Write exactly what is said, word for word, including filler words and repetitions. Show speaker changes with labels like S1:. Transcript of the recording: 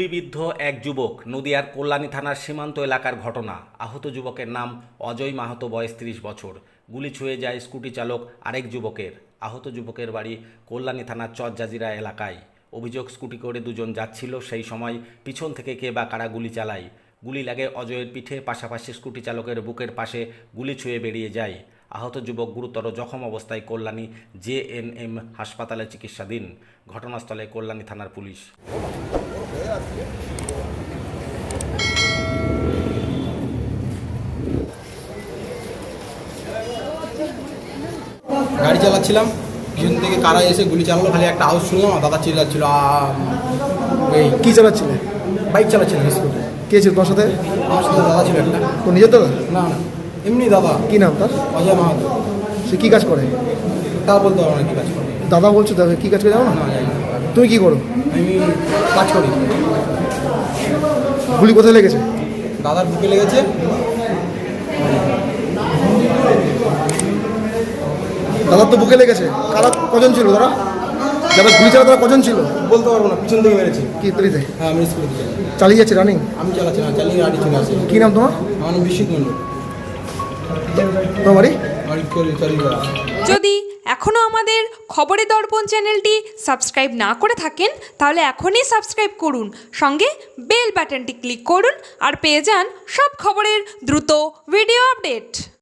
S1: গুলিবিদ্ধ এক যুবক। নদিয়ার কল্যাণী থানার সীমান্ত এলাকার ঘটনা। আহত যুবকের নাম অজয় মাহাতো, বয়স ত্রিশ বছর। গুলি ছুঁয়ে যায় স্কুটি চালক আরেক যুবকের। আহত যুবকের বাড়ি কল্যাণী থানার চরজাজিরা এলাকায়। অভিযোগ, স্কুটি করে দুজন যাচ্ছিল, সেই সময় পিছন থেকে কে বা কারা গুলি চালায়। গুলি লাগে অজয়ের পিঠে, পাশাপাশি স্কুটি চালকের বুকের পাশে গুলি ছুঁয়ে বেরিয়ে যায়। আহত যুবক গুরুতর জখম অবস্থায় কল্যাণী জে এন এম হাসপাতালে চিকিৎসাধীন। ঘটনাস্থলে কল্যাণী থানার পুলিশ।
S2: গাড়ি চালাচ্ছিলাম, পিছন থেকে কারা এসে গুলি চালালো, খালি একটা আওয়াজ শুনলাম, আর দাদা চিল্লাচ্ছিল। এই
S3: কি চালাচ্ছিলে?
S2: Bike চালাচ্ছিলাম scooty.
S3: কে ছিল তোর সাথে?
S2: আমার সাথে দাদা ছিল একটা।
S3: তোর নিজের দাদা?
S2: না না, এমনি দাদা।
S3: কি নাম তার?
S2: অজয় মাহাতো।
S3: সে কি কাজ করে?
S2: তা বলতে পারবো না কি কাজ করে।
S3: দাদা বলছো, দাদা কি কাজ করে জানো না?
S2: না জানি না।
S3: তুমি কি করো?
S2: আমি কাজ করি।
S3: গুলি কোথায় লেগেছে?
S2: দাদার বুকে লেগেছে।
S3: দাদার তো বুকে লেগেছে। কারা কজন ছিল তারা? যারা গুলি চালা তারা কজন ছিল?
S2: বলতে পারবো না, পিছন থেকে মেরেছে।
S3: কি তরিতে
S2: হ্যাঁ, আমি স্কুলে দিয়ে
S3: চালিয়ে যাচ্ছে রানিং?
S2: আমি চালাচ্ছি না, চালিয়ে গাড়ি চলে আসে।
S3: কি নাম তোমার?
S2: আমার নাম বিশ্বজিৎ মন্ডল।
S3: তোমার বাড়ি?
S2: বাড়ি করে চালিয়ে করা।
S4: যদি এখনও আমাদের খবরের দর্পণ চ্যানেলটি সাবস্ক্রাইব না করে থাকেন, তাহলে এখনই সাবস্ক্রাইব করুন, সঙ্গে বেল বাটনটি ক্লিক করুন আর পেয়ে যান সব খবরের দ্রুত ভিডিও আপডেট।